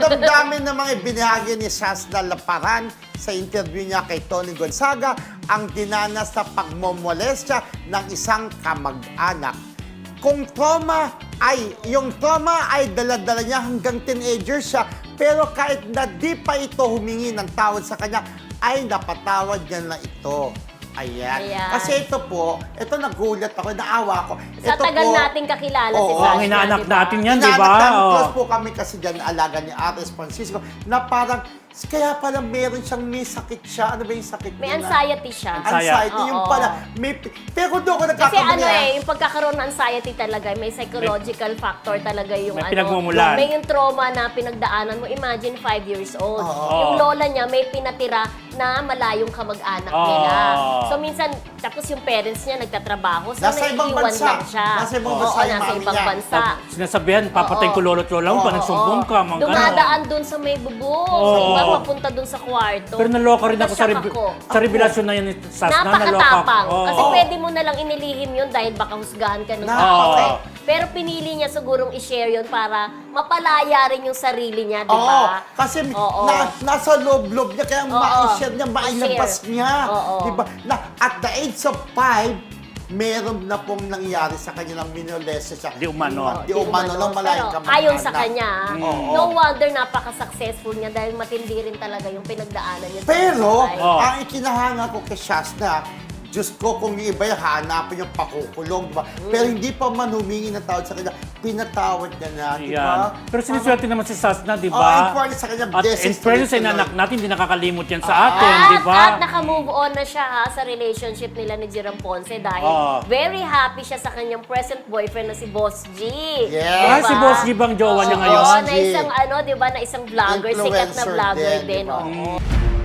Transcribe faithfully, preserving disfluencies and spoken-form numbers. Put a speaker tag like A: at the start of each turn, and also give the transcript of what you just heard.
A: damdamin ng mga ibinahagi ni Shasna Laparan sa interview niya kay Tony Gonzaga ang dinanas sa pagmomolestya ng isang kamag-anak. Kung trauma ay, yung trauma ay dala-dala niya hanggang teenager siya, pero kahit na di pa ito humingi ng tawad sa kanya, ay napatawad niya na ito. Ayan.
B: Ayan.
A: Kasi ito po, ito nagulat ako, naawa ko.
B: Sa
A: Ito
B: tagal
A: po,
B: nating kakilala si
A: Oo,
B: Sasha,
C: ang inaanak
B: diba?
C: natin yan, di ba?
A: Inaanak namin,
C: Oo.
A: close po kami kasi dyan, alaga ni Ares Francisco, na parang, kaya pala meron siyang may sakit siya. Ano ba yung sakit
B: May
A: niya?
B: anxiety siya.
A: Anxiety, yung
B: Oo.
A: pala. May, pero doon ko
B: Kasi
A: nagkakamali.
B: ano
A: ah.
B: eh, yung pagkakaroon ng anxiety talaga, may psychological factor talaga yung
C: May
B: ano.
C: pinagmumulan.
B: May yung trauma na pinagdaanan mo. Imagine five years old.
A: Oo.
B: Yung lola niya may pinatira na malayong kamag-anak
C: Oo.
B: nila. So minsan, tapos yung parents niya nagtatrabaho. So
A: Nasa ibang
B: naiiwan
A: bansa.
B: lang siya.
A: Nasa ibang
B: Oo,
A: bansa yung
B: nasa
A: mami
B: ibang
A: niya.
B: bansa.
C: Sinasabihan, papatayin ko lolo't lola mo,
B: Oo,
C: pa nagsumbong
B: oo.
C: ka, mga ganun.
B: Dumadaan dun sa may bubong. So
C: Oo.
B: iba papunta dun sa kwarto.
C: Pero naloka rin ako sa,
B: Nashock
C: rev-
B: ako.
C: sa revelasyon na yan ni Sasna, naloka ako.
B: Napakatapang.
C: Oo.
B: Kasi pwede mo na lang inilihim yun dahil baka husgahan ka ng
A: Na-
B: tao.
C: Oo.
B: Pero pinili niya sigurong i-share yun para mapalaya rin yung sarili niya, di
A: Oo,
B: ba?
A: kasi
B: Oo.
A: na, nasa loob-loob niya, kaya
B: Oo.
A: ma-share niya, mailabas
B: Ma-share.
A: niya.
B: Oo.
A: Diba? Na, at the age of five, meron na pong nangyari sa kanya ng minolese siya.
C: Di umano.
A: Di umano, ng malayang
B: Pero
A: kamag-anak.
B: ayon sa kanya,
A: Oo.
B: no wonder napaka-successful niya dahil matindi rin talaga yung pinagdaanan niya. sa
A: Pero,
B: buhay.
C: Oo.
A: ang ikinahanga ko kay Shasna, Diyos ko, kung yung iba yung hanapin yung pakukulong, diba?
B: Mm.
A: Pero hindi pa man humingi ng tawad sa kanya, pinatawad niya na, di ba?
C: Yan. Pero siniswerte naman si Sasna, di
A: Oh,
C: ba?
A: in fairness sa kanya,
C: At
A: blessings
C: in fairness
A: to
C: sa
A: the
C: inanak
A: Lord.
C: natin, hindi nakakalimot yan sa atin,
B: At,
C: di ba?
B: at naka-move on na siya ha sa relationship nila ni Jerome Ponce dahil
C: Oo.
B: very happy siya sa kanyang present boyfriend na si Boss G.
A: Yes.
C: Ah, si Boss G bang jowa niya
B: Oo,
C: ngayon?
B: na isang ano, 'di ba, na isang vlogger, sikat na
A: Influencer
B: vlogger
A: din,
B: din.
A: di ba?
B: Oo.